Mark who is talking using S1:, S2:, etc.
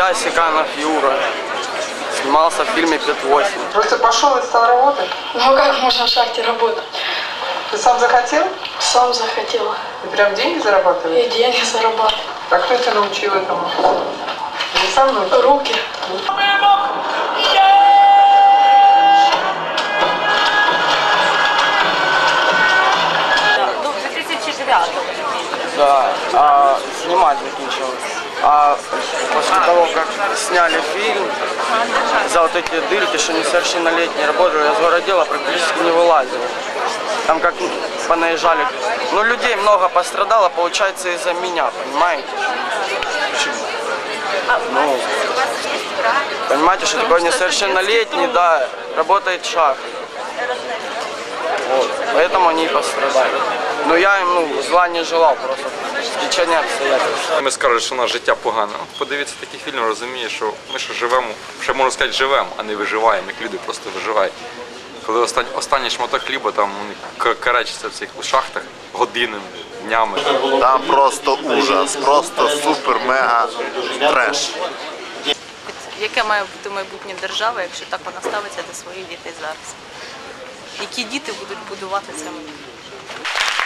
S1: Я, Секанов Юра. Снимался в фильме «5-8».
S2: Просто пошел и стал работать?
S3: Ну как можно в шахте работать?
S2: Ты сам захотел?
S3: Сам захотел.
S2: И прям деньги зарабатываешь?
S3: И деньги зарабатывать.
S2: А кто тебя научил этому? Ты сам научил?
S3: Руки.
S4: До 2009-го.
S1: Да, снимать заканчивал. А после того, как сняли фильм, за вот эти дырки, что несовершеннолетние работали, я с городела практически не вылазил. Там как понаезжали. Ну, людей много пострадало, получается, из-за меня, понимаете? Почему? Ну, понимаете, что такое несовершеннолетний, да, работает в шахте. Вот, поэтому они и пострадали. Но я им, зла не желав, просто стечення обстоятельств.
S5: Ми скажуть, що у нас життя погане. Подивіться такий фільм, розуміє, що ми ще живемо, ще можна сказати, живемо, а не виживаємо, як люди просто виживають. Коли останній шматок хліба там карачиться в цих шахтах годинами, днями.
S6: Там просто ужас, просто супер-мега треш.
S4: Яке має бути майбутнє держави, якщо так вона ставиться до своїх дітей зараз? Які діти будуть будувати це майбутнє?